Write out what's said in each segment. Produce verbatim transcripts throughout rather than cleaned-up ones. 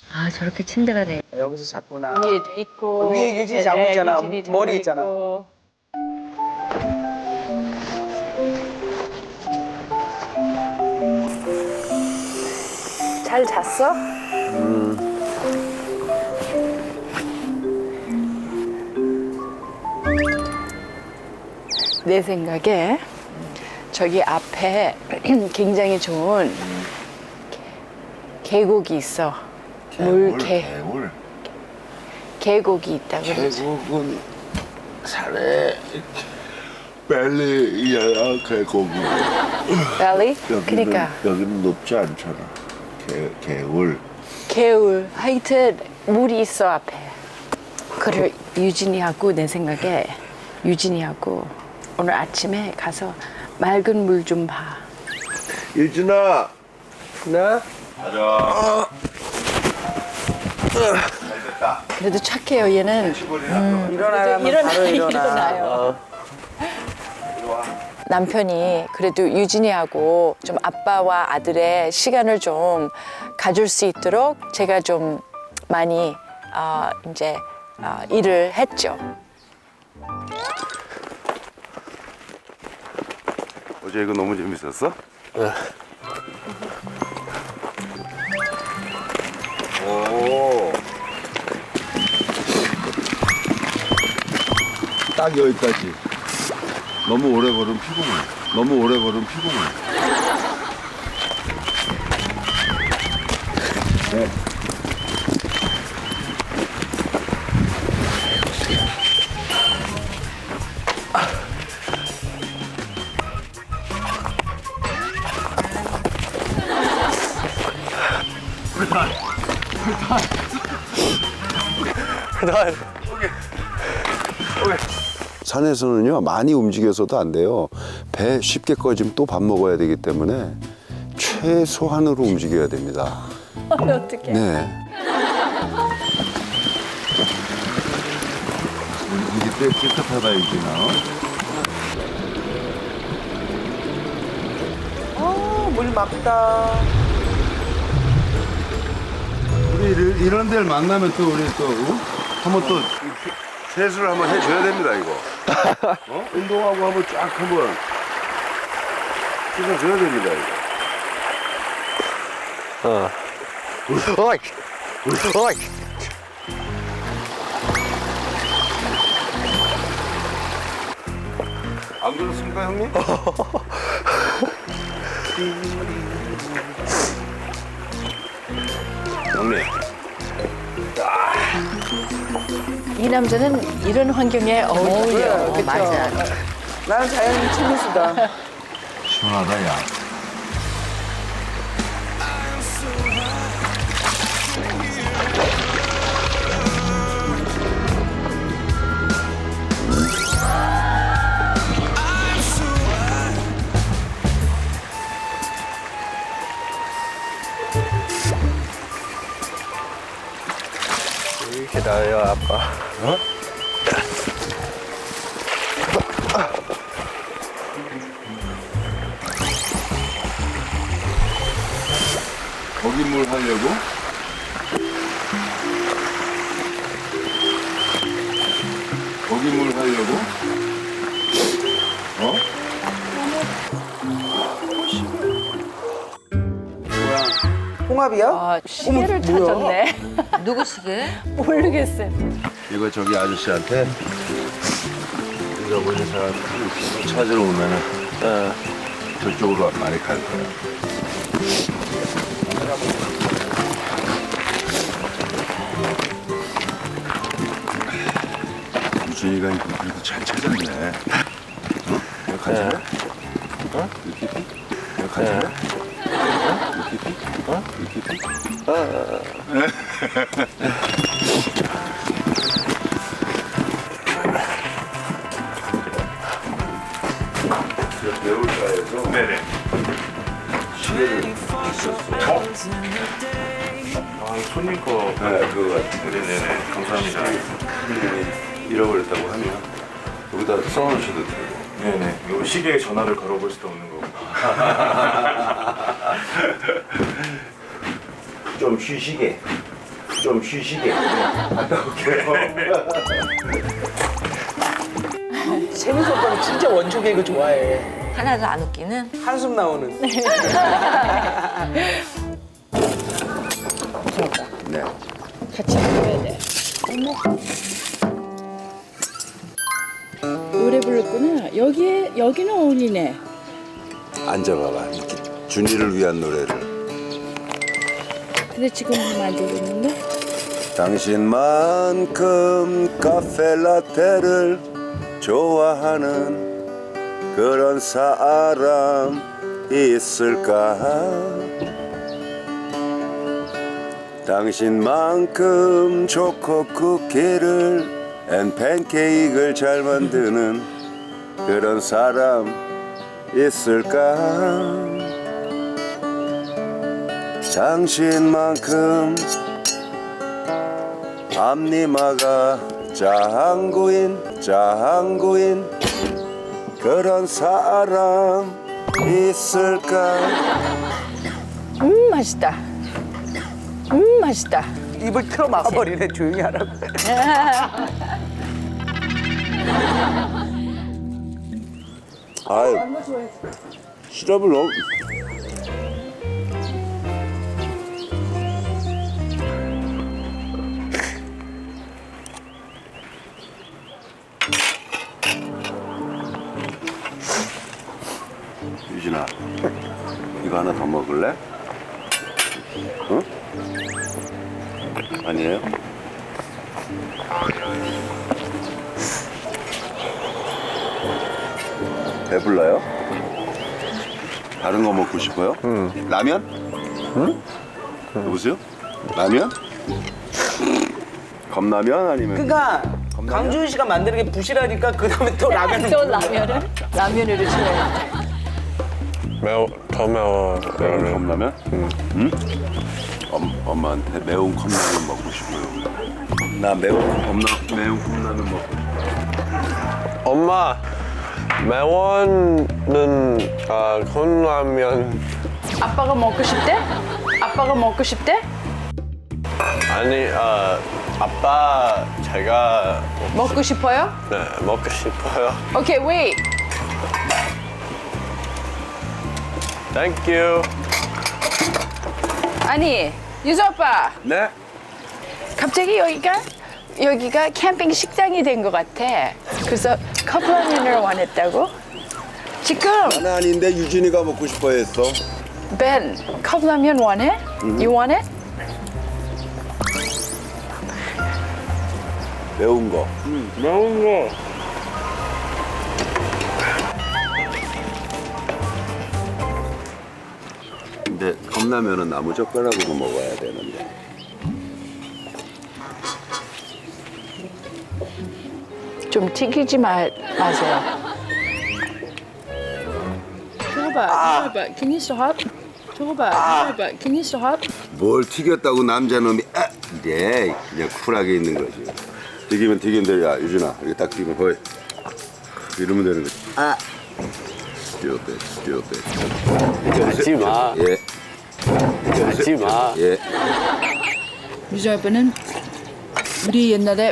아, 저렇게 침대가 돼. 여기서 잤구나. 위에도 있고 위에 유진이 자고 있잖아. 유진이 자고 머리 있잖아. 있고. 잘 잤어? 내 생각에 저기 앞에 굉장히 좋은 계곡이 있어. 물개 개울. 계곡이 있다 그러지. 계곡은 산에 벨리야 계곡이. 밸리? 여기는 그러니까 여기는 높지 않잖아. 개 개울. 개울. 하여튼 물이 있어 앞에. 그래 유진이하고 내 생각에 유진이하고 오늘 아침에 가서 맑은 물 좀 봐. 유진아. 나. 가자. 그래도 착해요 얘는. 일어나면 일어나, 바로 일어나. 일어나요. 남편이 그래도 유진이하고 좀 아빠와 아들의 시간을 좀 가질 수 있도록 제가 좀 많이 어, 이제 어, 일을 했죠. 어제 이거 너무 재밌었어? 오. 딱 여기까지. 너무 오래 걸으면 피곤해. 너무 오래 걸으면 피곤해. 네. 산에서는요 많이 움직여서도 안 돼요. 배 쉽게 꺼지면 또 밥 먹어야 되기 때문에 최소한으로 움직여야 됩니다. 어떻게? 네. 이게 꽤 깨끗하다 이제나. 어, 물 맑다. 우리 이런- 이런 데를 만나면 또 우리 또 어? 한번 또 세수를 한번 해줘야 됩니다 이거. 어? 운동하고 한번 쫙 한번 씻어줘야 됩니다 이거. 어. 어이! 어이! 안 그렇습니까 형님? 형님. 이 남자는 이런 환경에 어울려. 그쵸? 맞아. 나는 자연인 친구수다. 시원하다 야. 이렇게 나요, 아빠. 거기 물 하려고? 거기 물 하려고? 어? 홍합이야? 아, 시계를 어머, 뭐야? 찾았네. 누구 시계? 모르겠어요. 이거 저기 아저씨한테 잊어버린 사람 찾으러 오면은 어, 저쪽으로 많이 갈 거야. 유진이가 이거 그래도 잘 찾았네. 어? 이거 가질래? 어? 이렇게? 이거 가질래? 어? 이렇게? 어? 이렇게? 배울가에서 네네. 시계를 있었어. 아 손님 거. 네, 그거 같은데. 네네네. 감사합니다. 네, 잃어버렸다고 하면 여기다 써놓으셔도 되고. 네네. 요 시계에 전화를 걸어볼 수도 없는 거고. 좀 쉬시게. 좀 쉬시게. 갔다 올게요. 채민수 오빠는 진짜 원초 개그 좋아해. 하나도 안 웃기는? 한숨 나오는. 네. 같이 먹어야 돼. 노래 불렀구나. 여기에 여기는 어울리네. 앉아봐봐. 이렇게 준이를 위한 노래를. 근데 지금 만들고 있는데? 당신만큼 카페라테를 좋아하는 그런 사람 있을까? 당신만큼 초코 쿠키를 앤 팬케이크를 잘 만드는 그런 사람 있을까? 당신만큼 앞니마가 짱구인 짱구인 그런 사람 있을까? 음 맛있다. 음 맛있다. 입을 틀어 막아버리네. 조용히 하라고. 아유 시럽을 너무 유진아 이거 하나 더 먹을래? 응? 아니에요? 배불러요? 다른 거 먹고 싶어요? 응. 라면? 응? 여보세요? 라면? 컵라면 아니면? 그러니까 강준 씨가 만드는 게 부실하니까 그 다음에 또 라면을. 또 라면을 라면으로 치워야 돼. 매워, 더 매워. 매운 컵라면? 응. 응? 엄, 엄마한테 매운 컵라면 먹고 싶어요. 나 매운 컵라, 매운 컵라면 먹고 싶어. 엄마, 매워는 아, 컵라면 아빠가 먹고 싶대? 아빠가 먹고 싶대? 아니, 아, 아빠 제가 먹고 싶어요? 네, 먹고 싶어요. 오케이, wait. Thank you. 아니, 유수 아빠. 네? 갑자기 여기가 여기가 캠핑 식당이 된 것 같아. 그래서 컵라면을 원했다고? 지금 나는 아닌데 유진이가 먹고 싶어 했어. 벤 컵라면 원해? You want it? 매운 거. 매운 거. 근데 컵라면은 나무 젓가락으로 먹어야 되는데. 좀 튀기지 마, 마세요. 저거 봐, 저거 봐. Can you stop? 저거 봐, 저거 봐. Can you stop? 뭘 튀겼다고 남자놈이 아! 이래 그냥 쿨하게 있는 거지. 튀기면 튀긴 대로 야 유진아 이렇게 딱 튀기면 거의 이러면 되는 거지. 아! 뛰어빼 뛰어빼. 하지 마. 예. 하지 마. 예. 유수 아빠는 우리 옛날에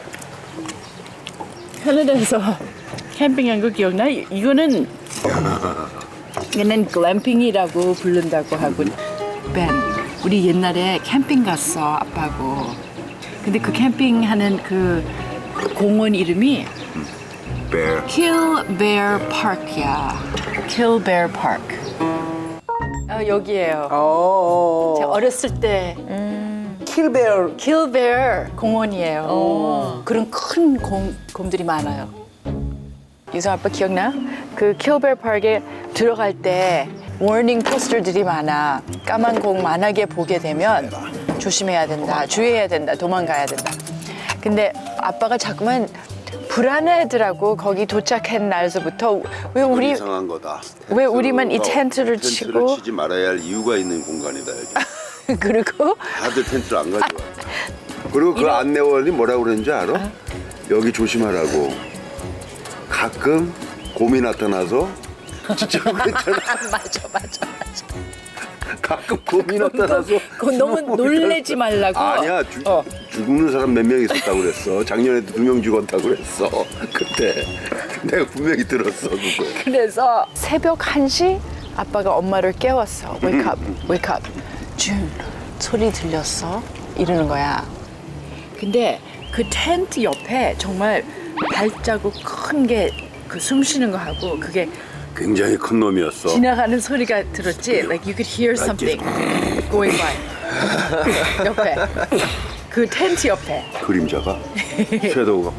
캐나다에서 캠핑한 거 기억나? 이거는 얘는 글램핑이라고 부른다고 하고. 벤, 우리 옛날에 캠핑 갔어 아빠하고. 근데 그 캠핑하는 그 공원 이름이 Bear. Kill Bear Park야. Kill Bear Park. 아, 여기에요. 어. 제가 어렸을 때 킬베어. Kill Bear 공원이에요. 그런 큰 곰, 곰들이 많아요. 유성 아빠 기억나? 그 Kill Bear Park에 들어갈 때 워닝 포스터들이 많아. 까만 공 만약에 보게 되면 조심해야 된다, 주의해야 된다, 도망가야 된다. 근데 아빠가 자꾸만 불안해하더라고. 거기 도착한 날서부터 왜 우리 이상한 거다. 왜 우리만 이 텐트를 텐트를 치고 치지 말아야 할 이유가 있는 공간이다 여기. 그리고 다들 텐트를 안 가져와. 그리고 그 안내원이 뭐라고 그랬는지 알아? 여기 조심하라고. 가끔 곰이 나타나서 진짜 그랬잖아. 맞아 맞아 맞아. 가끔 곰이 나타나서 그건 너무 숨어 놀래지 말라고. 아니야 주, 어. 죽는 사람 몇 명 있었다고 그랬어. 작년에도 두 명 죽었다고 그랬어. 그때 내가 분명히 들었어 그거. 그래서 새벽 한 시 아빠가 엄마를 깨웠어. Wake up, wake up. 준, 소리 들렸어? 이러는 거야. 근데 그 텐트 옆에 정말 발자국 큰 게 그 숨 쉬는 거 하고 그게 굉장히 큰 놈이었어. 지나가는 소리가 들었지? Like you could hear something going by. 옆에. 그 텐트 옆에. 그림자가 섀도우가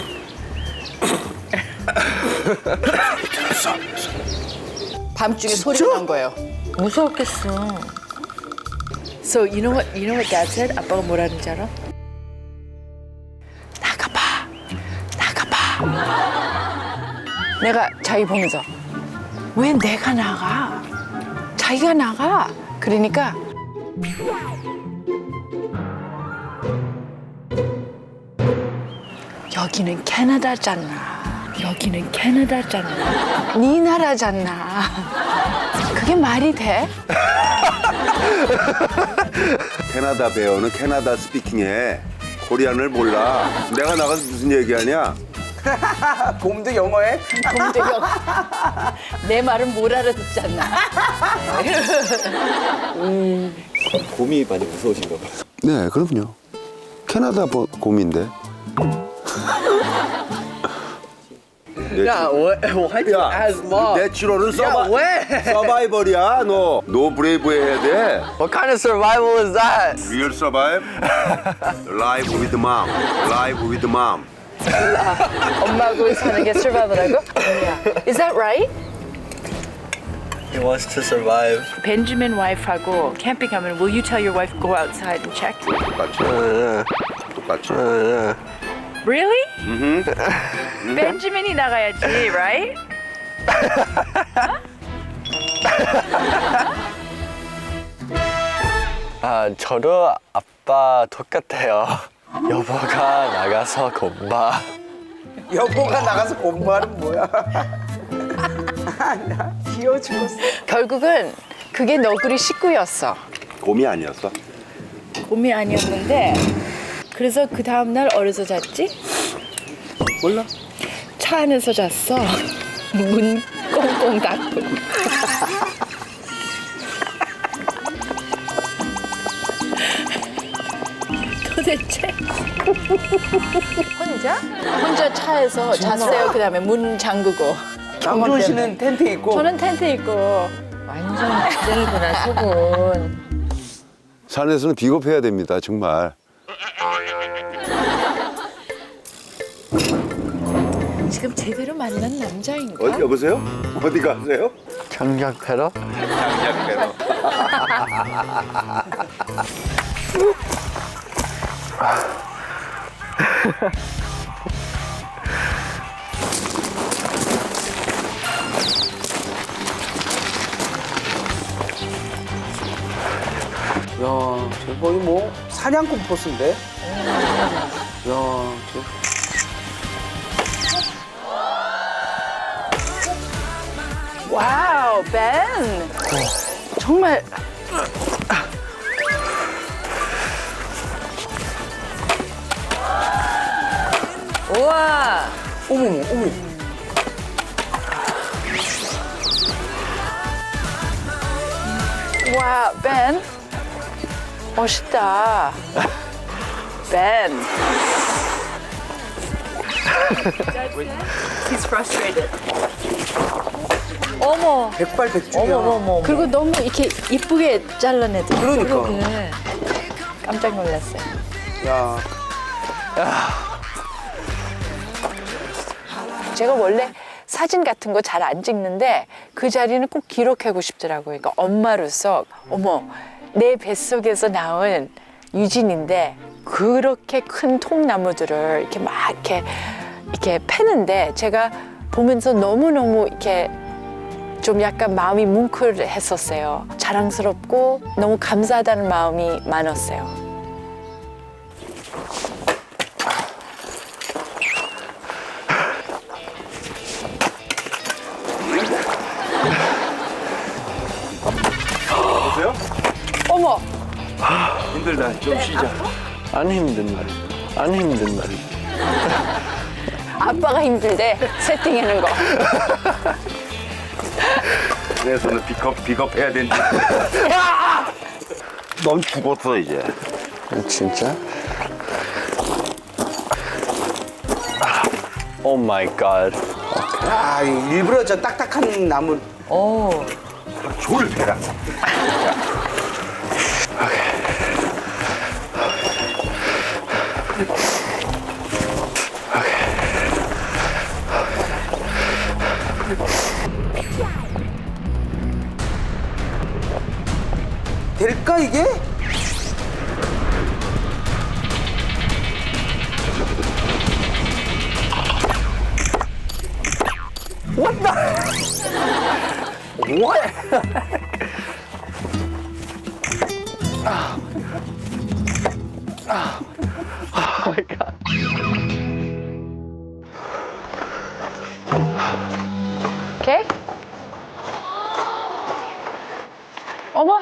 밤중에 소리가 난 거예요. 무서웠겠어. So you know what? You know what Dad said? 아빠가 뭐라는지 알아? 나가봐, 나가봐. 내가 자기 보면서 왜 내가 나가? 자기가 나가. 그러니까 여기는 캐나다잖아. 여기는 캐나다잖아. 네 나라잖아. 그게 말이 돼? 캐나다 배어는 캐나다 스피킹해. 코리안을 몰라. 내가 나가서 무슨 얘기하냐? 곰도 영어해? 근데 여- 내 말은 못 알아듣잖아. 곰이 많이 무서우신가 봐요. 네, 그럼요. 캐나다 보- 곰인데. 야, 왜, why you ask mom? 내추럴은 야, 서바, 왜? 서바이벌이야. 너, 너 브레이브 해야 돼. What kind of survival is that? Real survive. Live with mom. Live with mom. 엄마하고 사는 게 survival하고? Is that right? He wants to survive. 벤jamin 와이프하고 캠핑 가면 will you tell your wife go outside and check? 똑같이. 똑같이. Really? 벤jamin이 나가야지, right? 아, 저도 아빠 똑같아요. 여보가 나가서 곰봐. 여보가 나가서 공부하는 뭐야? 귀여워 죽었어. 결국은 그게 너구리 식구였어. 곰이 아니었어? 곰이 아니었는데 그래서 그 다음날 어디서 잤지? 몰라. 차 안에서 잤어. 문 꽁꽁 닫고. 도대체 혼자? 혼자 차에서 잤어요. 그 다음에 문 잠그고. 남준 씨는 텐트 있고. 저는 텐트 입고. 완전 기절구나, 속은. 산에서는 비겁해야 됩니다, 정말. 지금 제대로 만난 남자인가? 어, 여보세요? 어디 가세요? 장작 패러? 야, 저 거의 뭐 사냥꾼 포스인데? 야, 저. 와우, 벤! 정말 우와. 어머머, 어머. 와, 벤. 멋있다. 벤. He's frustrated. 어머. 백발백중이야. 어머, 어머, 어머. 그리고 너무 이렇게 이쁘게 잘라내더라. 그러니까. 그래. 깜짝 놀랐어요. 야, 제가 원래 사진 같은 거 잘 안 찍는데 그 자리는 꼭 기록하고 싶더라고요. 그러니까 엄마로서 어머 내 뱃속에서 나온 유진인데 그렇게 큰 통나무들을 이렇게 막 이렇게 이렇게 패는데 제가 보면서 너무 너무 이렇게 좀 약간 마음이 뭉클했었어요. 자랑스럽고 너무 감사하다는 마음이 많았어요. 여보세요? 어머, 힘들다. 좀 쉬자. 안 힘든 말. 안 힘든 말. 아빠가 힘들대 세팅하는 거. 내 손을 픽업 픽업해야 된다. 넌 죽었어 이제. 진짜? 오 마이 갓. 야, 이 일부러 저 딱딱한 나무. 오. 졸 대라. 될까 이게? What the? What? Oh my god. 오케이? 어머.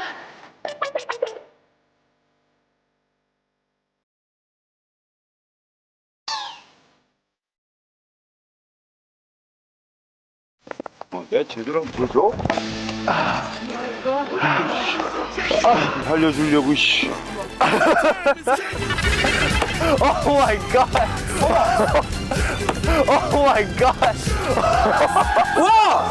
어, 내 제대로 한번 보여줘. 아, 살려주려고 씨. Oh my god. Oh my god. 와!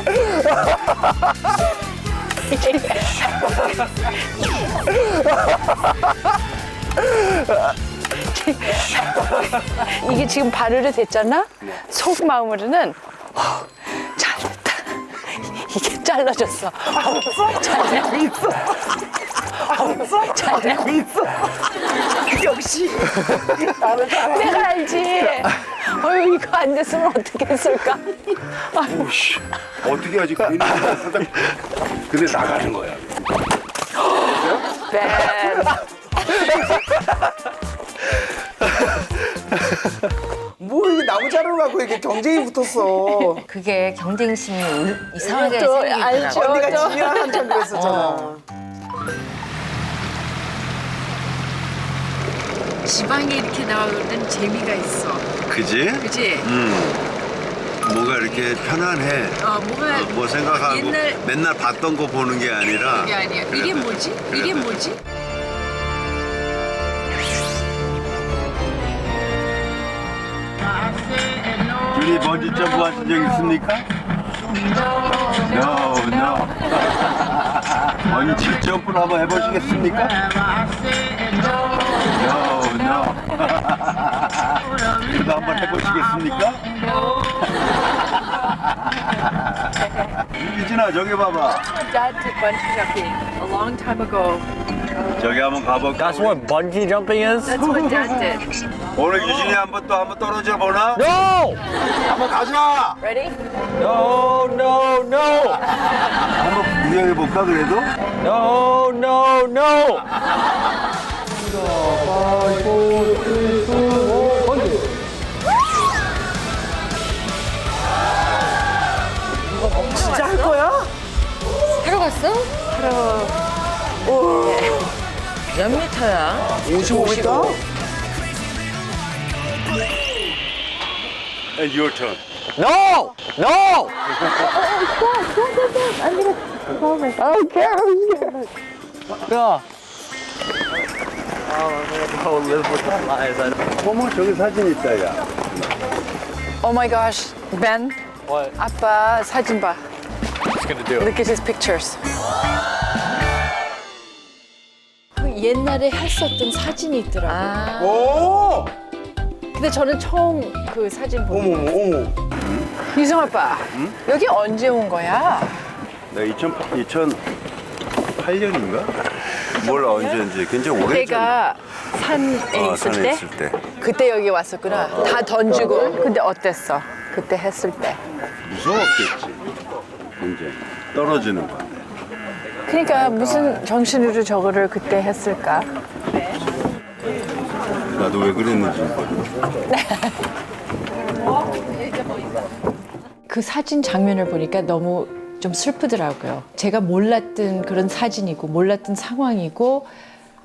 이게 지금 발효를 됐잖아? 속마음으로는 어, 잘됐다. 이게 잘라졌어. 잘되고 있어. 잘되고 있어. 역시 내가 알지. 어휴 이거 안 됐으면 어떻게 했을까? 오씨. 어떻게 하지? 괜히 살다. 근데 나가는 거야. 뱀. 뭐 이게 나무 자르러 가고 이렇게 경쟁이 붙었어. 그게 경쟁심이 울- 이상하게 또 생기더라고. 알죠. 언니가 저- 지면 한참 그랬었잖아. 어. 지방에 이렇게 나올 때는 재미가 있어. 그지? 그치? 뭔가 이렇게 편안해. 어, 뭐가 뭐 생각하고 옛날- 맨날 봤던 거 보는 게 아니라. 그게 아니야. 이게 뭐지? 이게 뭐지? 준이 번지 점프 하신 적 있습니까? No, no. 번지 점프를 한번 해보시겠습니까? No, no. 그래도 한번 해보시겠습니까? 유진아 저기 봐봐. Dad did bungee jumping a long time ago. 저기 한번 가볼까? That's what bungee jumping is? That's what Dad did. 오늘 유진이 한번 또 한번 떨어져 보나? No! 한번 가자. Ready? No, no, no! 한번 구경해 볼까 그래도? No, no, no! 진짜 할 거야? 하러 갔어? 몇 미터야? 오십오 미터? And your turn. No! No! 야. Oh, live with the flies. I don't... 어머 저기 사진 있다 야. Oh my gosh, Ben. What? 아빠 사진 봐. What's gonna do? Look at his pictures. 그 옛날에 했었던 사진이 있더라고. 아, 오! 근데 저는 처음 그 사진 보고. 어머 어머 어머. 유성 아빠, 여기 언제 온 거야? 내가 이천팔 년인가? 몰라 언제인지 굉장히 오래전. 내가 산에 어, 있을 산에 때 있을 때. 그때 여기 왔었구나. 다 던지고. 근데 어땠어? 그때 했을 때. 무서웠겠지. 굉장히 떨어지는 건데. 그러니까 무슨 정신으로 저거를 그때 했을까? 나도 왜 그랬는지 모르겠어. 그 사진 장면을 보니까 너무 좀 슬프더라고요. 제가 몰랐던 그런 사진이고 몰랐던 상황이고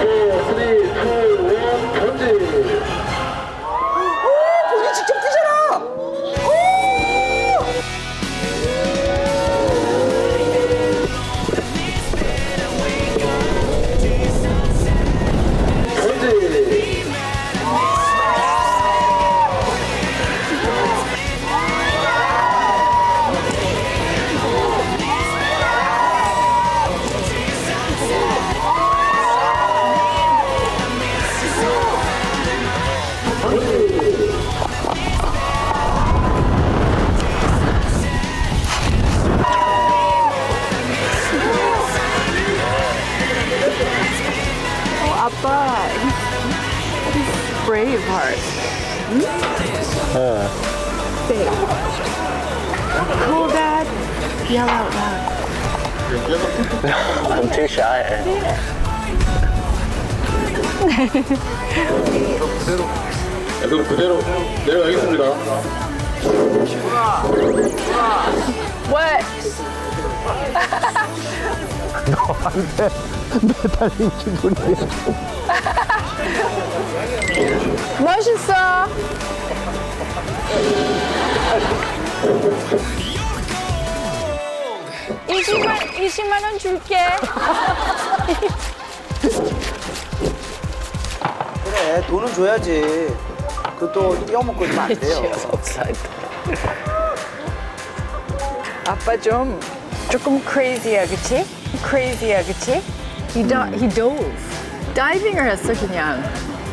four, three, two, one, 던지. 본인 직접 뛰잖아. 오! 아빠, he's, he's brave heart. Say, cool dad, yell out loud. I'm too shy. 그럼 그대로 내려가겠습니다. What? 멋있어. 이십만, 이십만 원 줄게. 그래, 돈은 줘야지. 그것도 띄어먹고 있으면 안 돼요. 아빠 좀 조금 crazy야, 그치? crazy야, 그치? He, do, he dove. 다이빙을 했어, 그냥.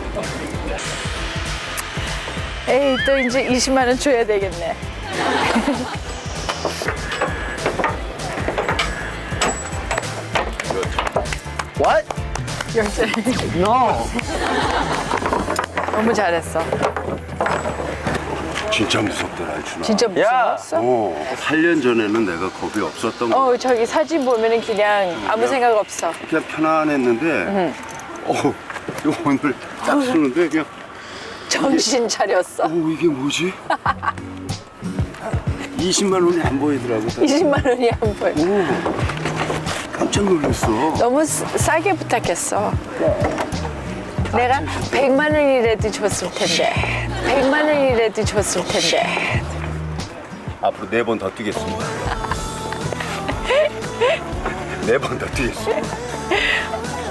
에이, 또 이제 이십만 원 줘야 되겠네. What? No. 너무 잘했어. 진짜 무섭더라, 이준아. 진짜 무서웠어? 어, 팔 년 전에는 내가 겁이 없었던 거. 어, 저기 사진 보면은 그냥 아무 생각 없어. 그냥 편안했는데, 어, 이거 오늘 딱 쓰는데 그냥, 정신 차렸어. 어, 이게 뭐지? 이십만 원이 안 보이더라고. 이십만 원이 안 보여. 오, 깜짝 놀랐어. 너무 싸- 싸게 부탁했어. 내가 백만 원이라도 줬을 텐데. 백만 원이라도 줬을 텐데. 앞으로 네 번 더 뛰겠습니다. 네 번 더 뛰겠습니다.